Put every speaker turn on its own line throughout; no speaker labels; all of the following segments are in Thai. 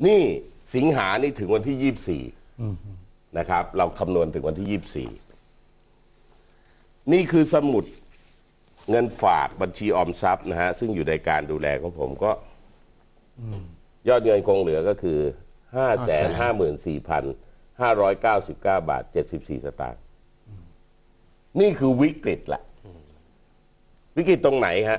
นี่สิงหานี่ถึงวันที่ 24นะครับ เราคำนวณถึงวันที่ 24นี่คือสมุดเงินฝากบัญชีออมทรัพย์นะฮะซึ่งอยู่ในการดูแลของผมก็ยอดเงินคงเหลือก็คือ 554,599 บาท 74 สตางค์นี่คือวิกฤตแหละวิกฤตตรงไหนฮะ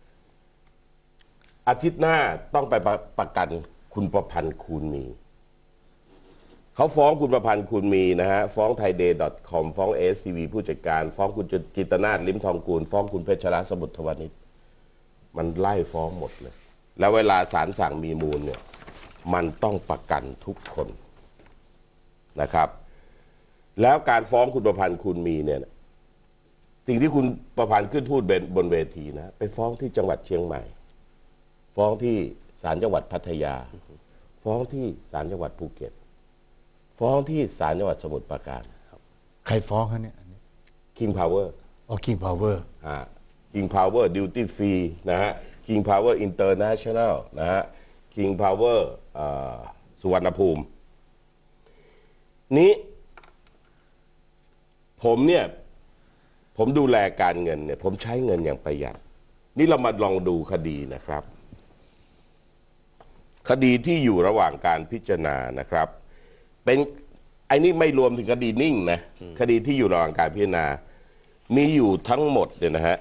อาทิตย์หน้าต้องไปประกันคุณประพันธ์คูณมีเขาฟ้องคุณประพันธ์คูณมีนะฮะฟ้อง thaiday.com ฟ้อง SCV ผู้จัดการฟ้องคุณจิตรนาถลิ้มทองกูลฟ้องคุณเพชรรัตน์สมุทรทวณิชมันไล่ฟ้องหมดเลยแล้วเวลาศาลสั่งมีมูลเนี่ยมันต้องประกันทุกคนนะครับแล้วการฟ้องคุณประพันธ์คูณมีเนี่ยสิ่งที่คุณประพันธ์ขึ้นพูดบนเวทีนะไปฟ้องที่จังหวัดเชียงใหม่ฟ้องที่ศาลจังหวัดพัทยาฟ้องที่ศาลจังหวัดภูเก็ตฟ้องที่ศาลจังหวัดสมุทรปราการ
ใครฟ้องเขาเนี่ย
King Power
King Power
King Power Duty Free นะฮะ King Power International นะฮะ King Power สุวรรณภูมินี้ผมดูแลการเงินเนี่ยผมใช้เงินอย่างประหยัดนี่เรามาลองดูคดีนะครับคดีที่อยู่ระหว่างการพิจารณานะครับเป็นไอ้นี่ไม่รวมถึงคดีนิ่งนะคดีที่อยู่ระหว่างการพิจารณามีอยู่ทั้งหมดเนี่ยนะฮะ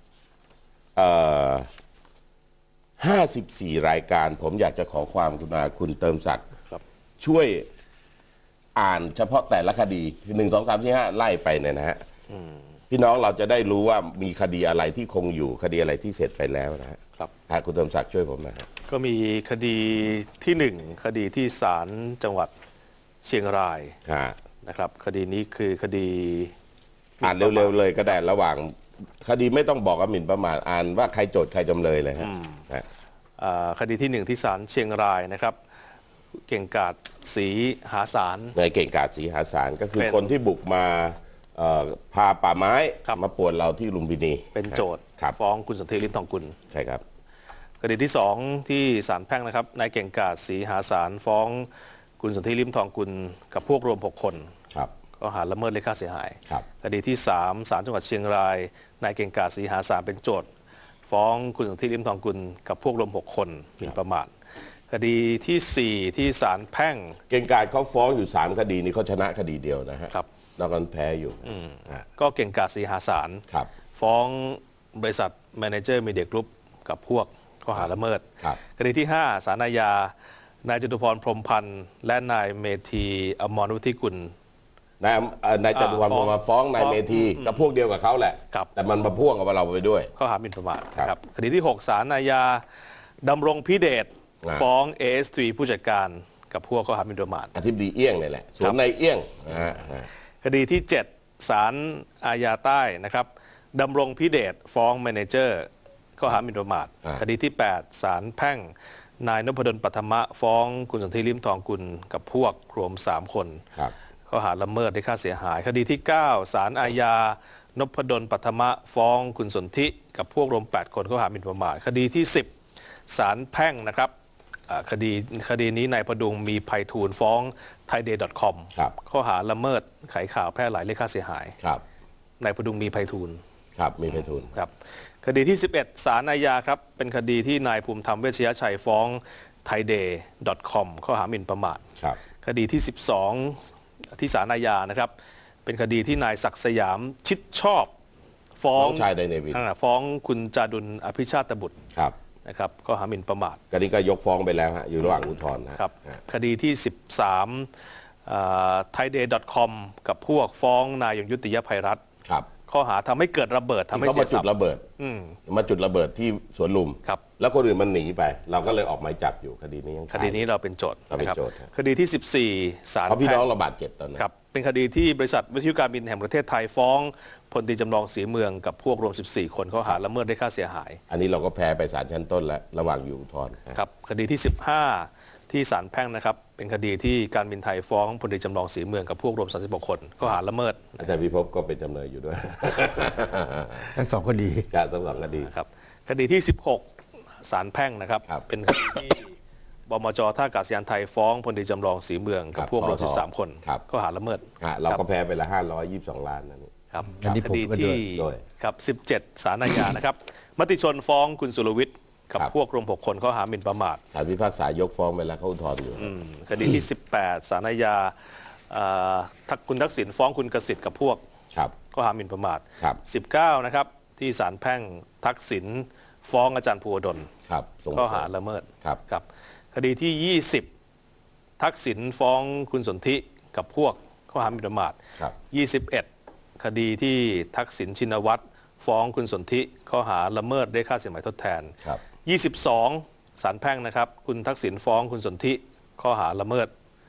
54 รายการผมอยากจะขอความกรุณาคุณเติมศักดิ์ช่วยอ่านเฉพาะแต่ละคดี1 2 3 4 5ไล่ไปเนี่ยนะฮะพี่น้องเราจะได้รู้ว่ามีคดีอะไรที่คงอยู่คดีอะไรที่เสร็จไปแล้วนะฮะครับคุณเติมศักดิ์ช่วยผมนะฮะ
ก็มีคดีที่1คดีที่ศาลจังหวัดเชียงรายนะครับคดีนี้คือคดี
อ่านเร็วๆเลยก็ได้ระหว่างคดีไม่ต้องบอกว่าหมิ่นประมาทอ่านว่าใครโจทย์ใครจำเลยเลยฮะ
คดีที่1ที่ศาลเชียงรายนะครับเก่งกาจศรีหาสาร
ในเก่งกาจศรีหาสารก็คือคนที่บุกมาพาป่าไม้มาป่วนเราที่ลุมพินี
เป็นโจทย์ฟ้องคุณสนธิลิ้มทองกุล
ใช่ครับ
คดีที่2ที่ศาลแพ่งนะครับนายเก่งกาจศรีหาสารฟ้องคุณสนธิลิ้มทองกุลกับพวกรวม6 คนข้อหาละเมิดเรียกค่าเสียหายคดีที่3ศาลจังหวัดเชียงรายนายเก่งกาจศรีหาสารเป็นโจทย์ฟ้องคุณสนธิลิ้มทองกุลกับพวกรวม6 คนหมิ่นประมาทคดีที่4ที่ศาลแพ่ง
เก่งกาจเขาฟ้องอยู่3 คดีนี้เขาชนะคดีเดียวนะฮะนอกนั้นแพ้อยู่
ก็เก่งกาจศรีหาสารฟ้องบริษัทแมเนเจอร์มีเดียกรุ๊ปกับพวกข้อหาละเมิดคดีที่5ศาลอาญานายจตุพรพรหมพันธ์และนายเมธีอมรวุฒิกุล
นายจตุพรมาฟ้องนายเมธีกับพวกเดียวกับเขาแหละแต่มันมาพ่วงกับเราไปด้วย
ข้อหาหมิ่นประมาทครับคดีที่6ศาลอาญาดำรงพิเดชฟ้อง AS3 ผู้จัดการกับพวกข้อหาหมิ่นประมาท
อธิบดีเอี้ยงนี่แหละสวนนายเอี้ยง
คดีที่7ศาลอาญาใต้นะครับดำรงพิเดชฟ้องแมเนเจอร์ข้อหาหมิ่นประมาทคดีที่8ศาลแพ่งนายนพดลปัทมะฟ้องคุณสนธิลิ้มทองกุลกับพวกรวม3 คนข้อหาละเมิดได้ค่าเสียหายคดีที่9ศาลอาญานพดลปัทมะฟ้องคุณสนธิกับพวกรวม8 คนข้อหาหมิ่นประมาทคดีที่10ศาลแพ่งนะครับคดีนี้นายพดุงมีไพฑูรย์ฟ้อง thaiday.com ข้อหาละเมิดขายข่าวแพร่หลายเรียกค่าเสียหายนายพดุงมีไพฑูรย์
มีไพฑูรย์
ครับคดีที่11ศาลอาญาครับเป็นคดีที่นายภูมิธรรมเวชยชัยฟ้อง thaiday.com ข้อหาหมิ่นประมาทคดีที่12ที่ศาลอาญานะครับเป็นคดีที่นายศักดิ์สยามชิดชอบฟ้อง
ชายไดเนวิน
ฟ้องคุณจาดุลอภิชาติบุตรนะครับข้อหาหมิ่นประมาท
คดีก็ยกฟ้องไปแล้วฮะอยู่ระหว่างอุทธรณ์
ครับคดีที่13thaiday.com กับพวกฟ้องนายยงยุติยภัยรัตน์ข้อหาทำให้เกิดระเบิดทำให้เสียทรัพย์
มาจุดระเบิดที่สวนลุมแล้วคนอื่นมันหนีไปเราก็เลยออกหมายจับอยู่คดีนี้
คดีนี้เราเป็นโจทย์นะครับคดีที่14ศาล
เพราะพี่น้องเราบาดเจ็บตอนนั้น
ครับเป็นคดีที่บริษัทวิทยุการบินแห่งประเทศไทยฟ้องพลตรีจำลองศรีเมืองกับพวกรวม14 คนข้อหาละเมิดได้ค่าเสียหาย
อันนี้เราก็แพ้ไปศาลชั้นต้นแล้วระหว่างอยู่อุทธรณ์
ครับคดีที่15ที่ศาลแพ่งนะครับเป็นคดีที่การบินไทยฟ้องพลตรีจำลองศรีเมืองกับพวกรวม36 คนข้อหาละเมิด
อาจารย์พิภพก็เป็นจำเลยอยู่ด้วย
ทั้ง2 คดี
ทั้ง2 คดี
ครับคดีที่16ศาลแพ่งนะครับเป็นคดีที่บมจท่าอากาศยานไทยฟ้องพลตรีจำลองศรีเมืองกับพวกรวม13 คน
ครับ
ข้อหาละเมิด
เราก็แพ้ไปละ522 ล้านนั่นนี่
ครับ
อันนี้
ค
ผม
ดี
ก็ด้วย
ที่
ด้วย
ครับ17ศาลอาญานะครับมติชนฟ้องคุณสุรวิทย์กับ
ครับ
พวกรวม6 คนข้อหาหมิ่นประมาท
ศาลพิพากษายกฟ้องไปแล้วเขาอุทธรณ์อยู่
คดีที่ 18ศาลอาญาคุณทักษิณฟ้องคุณกสิทธิ์กับพวก
ครับ
ข้อหาหมิ่นประมาท
ครับ
19นะครับที่ศาลแพ่งทักษิณฟ้องอาจารย์ภูวดล
ครับส่ง
ข้อหาละเมิด
ครับ
ครับคดีที่ 20 ทักษิณฟ้องคุณสนธิกับพวกข้อหาหมิ่นประมาท
ครับ
21 คดีที่ทักษิณชินวัตรฟ้องคุณสนธิข้อหาละเมิดได้ค่าสินไหมทดแทน
ครับ
22 ศาลแพ่งนะครับคุณทักษิณฟ้องคุณสนธิข้อหาละเมิด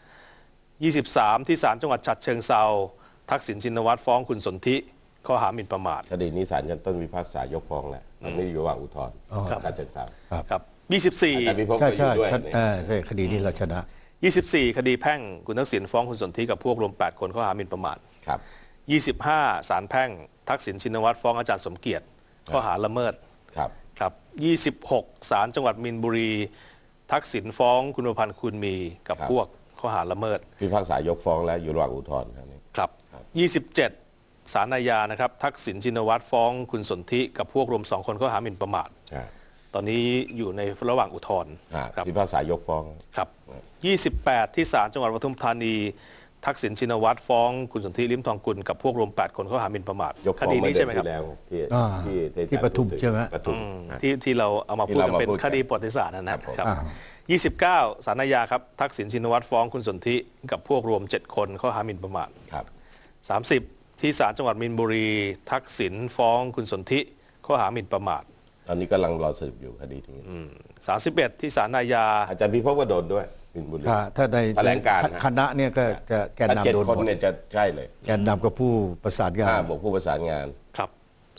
23 ที่ศาลจังหวัดฉะเชิงเทราทักษิณชินวัตรฟ้องคุณสนธิข้อหาหมิ่นประมาท
คดีนี้ศาลชั้นต้นพิพากษายกฟ้องแล้วตอนนี้อยู่ระหว่างอุทธรณ์
อ๋อ
ครับ
ศาลเชิงเทรา
ครับ
ครับ
อาจารย์พิภพ
ใช่
ก็อ
ใช่
ยู่ด้วย
ครับ
เนี่ย
ใช่คดีนี้เราชนะ
24 คดีแพ่งคุณทักษิณฟ้องคุณสนธิกับพวกรวม 8 คนข้อหาหมิ่นประมาท
ครับ
25 ศาลแพ่งทักษิณชินวัตรฟ้องอาจารย์สมเกียรติข้อหาละเมิด
ครับ
ครับ 26 ศาลจังหวัดมีนบุรี ทักษิณฟ้องคุณประพันธ์คุณมีกับพวกข้อหาละเมิด
พิพากษายกฟ้องแล้วอยู่ระหว่างอุทธรณ์ครับนี่
ครับ
ครับ
27 ศาลอาญานะครับทักษิณชินวัตรฟ้องคุณสนธิกับพวกรวม 2 คนข้อหาหมิ่นประมาท
อ่า
ตอนนี้อยู่ในระหว่างอุทธรณ์ครับ
พิพากษายกฟ้อง
ครับ 28 ที่ศาลจังหวัดปทุมธานี ทักษิณชินวัตรฟ้องคุณสนธิลิ้มทองกุลกับพวกรวม 8 คนข้อหาหมิ่นประมาท
ยก
ค
ฟ้อง
ดี
เมื่
นี้
อเดื
ใช่
อน
ไหมครับ
ที่แล้วที่
อ่า
ที่
ปทุม
พูดถึง
ใช่ไหม
ปทุม
ที่เราเอามาพูดกัน
ที่เรามา
เป็น
พูดกัน
คดีประวัติศาสตร์นะครับ
ผม
ครับ
อ่า
29 ศาลอาญาครับทักษิณชินวัตรฟ้องคุณสนธิกับพวกรวม 7 คนข้อหาหมิ่นประมาท
ครับ
30 ที่ศาลจังหวัดมีนบุรี ทักษิณฟ้องคุณสนธิข้อหาหมิ่นประมาท
ตอนนี้กำลังรอสืบอยู่คดีนี้
31 ที่ศาลอาญา
อาจารย์พิภพก็โดนด้วยบินบุรี
ถ้าใน
แถลงการณ์
คณะเนี่ยก็จะแกน
ถ้า7
นำโดน
คน
หมด
เนี่ยจะใช่เลย
แกนนำกับผู้ประสานงาน
บวกผู้ประสานงาน
ครับ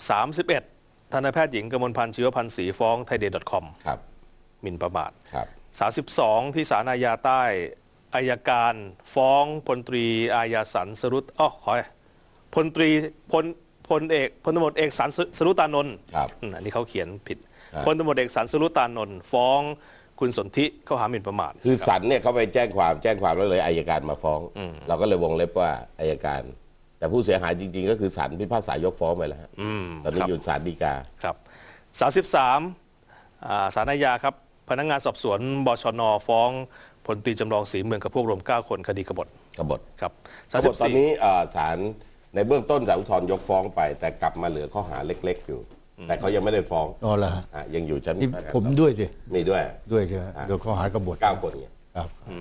31 ทันตแพทย์หญิงกมลพันธ์ชีวพันธ์ศรีฟ้องไทยเดย์ .com
ครับ
หมิ่นประมาท
ครับ
32 ที่ศาลอาญาใต้อายการฟ้องพลตรีอาญาสันสรุตพลตรีพลตำรวจเอกสันสรุตานนท์
ครับ
อันนี้เขาเขียนผิด
ครับ
พลตำรวจเอกสันสรุตานนท์ฟ้องคุณสนธิข้อหาหมิ่นประมาท
คือ
รับ
สันเนี่ยเขาไปแจ้งความแล้วเลยอายการมาฟ้อง เราก็เลยวงเล็บว่าอายการ แต่ผู้เสียหายจริงๆ ก็คือสันพิพากษายกฟ้องไปแล้วฮะตอนนี้
ครับ
อยู่ศาลฎีกา
ครับ 33 ศาลอาญาครับ พนักงานสอบสวนบชนฟ้องพลตรีจำลองศรีเมืองกับพวกรวม 9 คนคดีกบฏ
กบฏ
ครับ
กบฏตอนนี้ศาลในเบื้องต้นศาลอุทธรณ์ยกฟ้องไป แต่กลับมาเหลือข้อหาเล็กๆอยู่ แต่เขายังไม่ได้ฟ้อง
อ๋อเหรอฮะ
ยังอยู่ชั้น
นี่
พนักงาน
ผม
สอบ
ด้วยสิ
มีด้วย
ด้วยใช่ไหมโดยข้อหากบฏ
9 คนเนี่ย
ครับ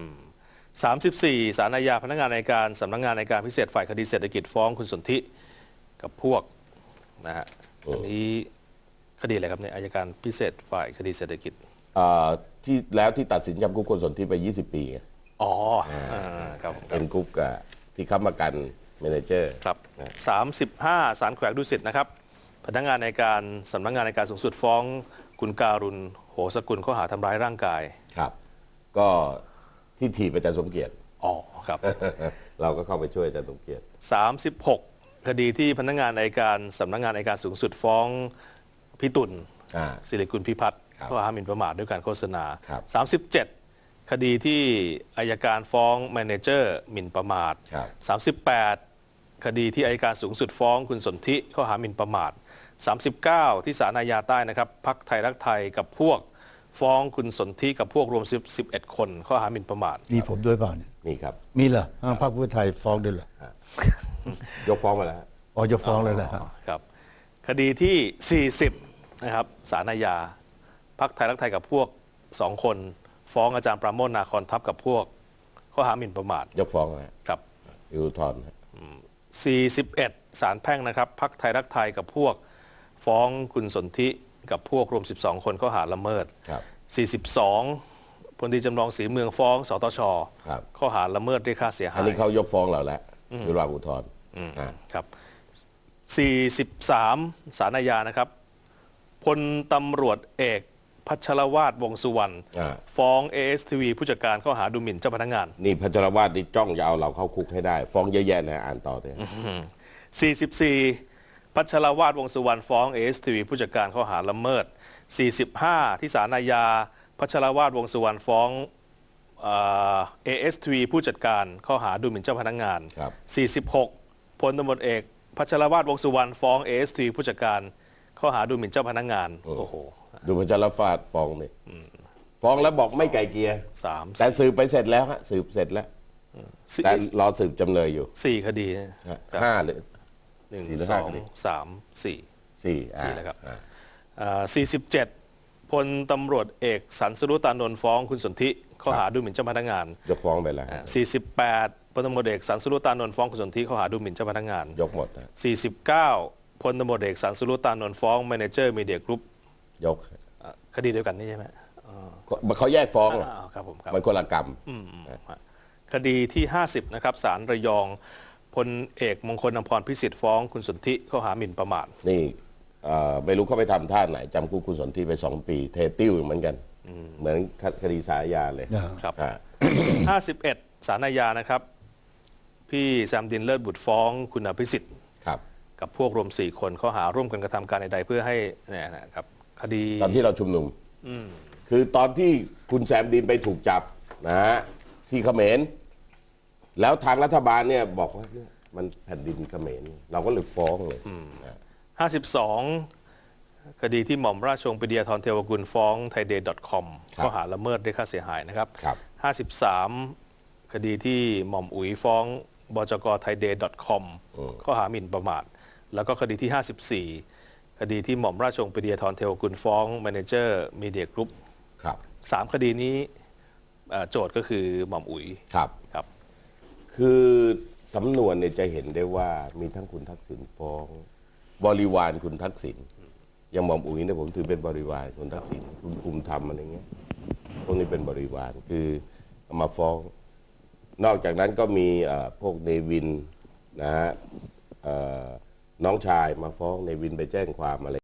34 ศาลอาญาพนักงานอัยการสำนักงานอัยการพิเศษฝ่ายคดีเศรษฐกิจฟ้องคุณสนธิกับพวกนะฮะอันนี้คดีอะไรครับเนี่ยอัยการพิเศษฝ่ายคดีเศรษฐกิจ
ที่แล้วที่ตัดสินจำคุกคนสนที่ไป 20 ปีไง
อ๋อครับ
เป็นคุกที่ค้ำประกันเมเนเจอร์
ครับ
นะ
35 ศาลแขวงดุสิตนะครับพนักงานอัยการสำนักงานอัยการสูงสุดฟ้องคุณการุณโหสกุลข้อหาทำร้ายร่างกาย
ครับ ก็ที่ถีบอาจารย์สมเกียรติ
อ๋อครับ
เราก็เข้าไปช่วยอาจารย์สมเกียรติ
36 คดีที่พนักงานอัยการสำนักงานอัยการสูงสุดฟ้องพี่ตุล ศิริกุลพิพัฒน์
ครับ
ข้อหาหมิ่นประมาทด้วยการโฆษณา
ครับ
37 คดีที่อัยการฟ้องแมเนเจอร์หมิ่นประมาท
ครับ
38 คดีที่อัยการสูงสุดฟ้องคุณสนธิข้อหาหมิ่นประมาท 39 ที่ศาลอาญาใต้นะครับพรรคไทยรักไทยกับพวกฟ้องคุณสนธิกับพวกรวม11 คนข้อหาหมิ่นประมาท
มีผมด้วยเปล่าเนี่ย
นี่ครับ
มีเหรอพรรคเพื่อไทยฟ้องด้วยเหรอ
ยกฟ้องมาแล้วฮะ
อ๋อจะฟ้องเลยเหรอฮะ
ครับ คดีที่ 40 นะครับศาลอาญาพรรคไทยรักไทยกับพวก 2 คน ฟ้องอาจารย์ปราโมทนาคอนทัพกับพวกข้อหาหมิ่นประมาท
ยกฟ้องนะฮะ
ครับ
อยู่อุทธรณ์ฮะ
41 ศาลแพ่งนะครับพรรคไทยรักไทยกับพวกฟ้องคุณสนธิกับพวกรวม 12 คนข้อหาละเมิด
ครับ
42 พลตรีจำลองศรีเมืองฟ้องสตช
ครับ
ข้อหาละเมิดเรียกค่าเสียหาย
อันนี้เขายกฟ้องเราแล้วอยู่ระหว่างอุทธรณ์
ครับ 43 ศาลอาญานะครับพลตำรวจเอกพัชรวาทวงษ์สุวรรณ ฟ้อง ASTV ผู้จัดการข้อหาดูหมิ่นเจ้าพนักงาน
นี่พัชรวาทนี่จ้องจะเอาเราเข้าคุกให้ได้ ฟ้องเยอะแยะนะอ่านต่อเลย
44 พัชรวาทวงษ์สุวรรณฟ้อง ASTV ผู้จัดการข้อหาละเมิด 45 ที่ศาลอาญาพัชรวาทวงษ์สุวรรณฟ้อง ASTV ผู้จัดการข้อหาดูหมิ่นเจ้าพนักงาน
ครับ
46พลตำรวจเอกพัชรวาทวงษ์สุวรรณฟ้อง ASTV ผู้จัดการข้อหาดูหมิ่นเจ้าพนักงาน โอ้โห
ดูพระจารฟาดฟ้องนี่ฟ้องแล้วบอกไม่ไกลเกลีย
สาม
แต่สืบไปเสร็จแล้วฮะสืบเสร็จแล้ว
สี่
แต่รอสืบจำเลยอยู่
สี่คดีนะ
ฮะ
ครับ
ห้าหรือ
หนึ่ง
สี่หรือ
ส
ห้า
อง
คดี
สามสี่
สี่
สี่แล้วครับ
อ่า
47พลตำรวจเอกสันสรุตานนท์ฟ้องคุณสนธิข้อหาดูหมิ่นเจ้าพนักงาน
ยกฟ้องไปแล้ว
48พลตำรวจเอกสันสรุตานนท์ฟ้องคุณสนธิข้อหาดูหมิ่นเจ้าพนักงาน
ยกหมดนะ
49พลตำรวจเอกสันสรุตานนท์ฟ้องแมเนเจอร์มีเดียกรุ๊ป
ยก
คดีเดียวกันนี่ใช่ไหมอ๋อ
เขาแยกฟ้อง
ครับผมครับ
มันคนละกรรม
ฮะคดีที่ 50นะครับศาลระยองพลเอกมงคลอำพรพิสิทธิ์ฟ้องคุณสนธิข้อหาหมิ่นประมาท
นี่ไม่รู้เขาไปทำท่าไหนจำคุกคุณสนธิไป2 ปีเทติ้วเหมือนกันเหมือนคดีสายาเลย
ครับ
อ่า
51ศาลอาญานะครับ พี่แซมดินเลิศบุตรฟ้องคุณอภิสิทธิ์
ครับ
กับพวกรวม4 คนข้อหาร่วมกันกระทำการใดๆเพื่อให้เนี่ยนะครับคดี
ตอนที่เราชุมนุม
อืม
คือตอนที่คุณแซมดินไปถูกจับนะฮะที่เขมร แล้วทางรัฐบาลเนี่ยบอกว่าเนี่ยมันแผ่นดินเขมรเราก็เลยฟ้องเลยนะ
52 คดีที่หม่อมราชวงศ์ปรีดียาธรเทวกุลฟ้อง thaiday.com ข้อหาละเมิดเรียกค่าเสียหายนะครับ
ครับ
53 คดีที่หม่อมอุ๋ยฟ้องบจก thaiday.com ข้อหาหมิ่นประมาท แล้วก็คดีที่ 54 คดีที่หม่อมราชวงศ์ปรีดียาธรเทวกุลฟ้องแมเนเจอร์มีเดียกรุ๊ป
ครับ
3 คดีนี้โจทย์ก็คือหม่อมอุ๋ย
ครับ
ครับ
คือสำนวนเนี่ยจะเห็นได้ว่ามีทั้งคุณทักษิณฟ้อง บริวารคุณทักษิณอย่างหม่อมอุ๋ยเนี่ยผมถือเป็นบริวารคุณทักษิณคุณภูมิธรรมอะไรเงี้ยพวกนี้เป็นบริวารคือเอามาฟ้อง นอกจากนั้นก็มีพวกเนวินนะฮะน้องชายมาฟ้องเนวินไปแจ้งความอะไร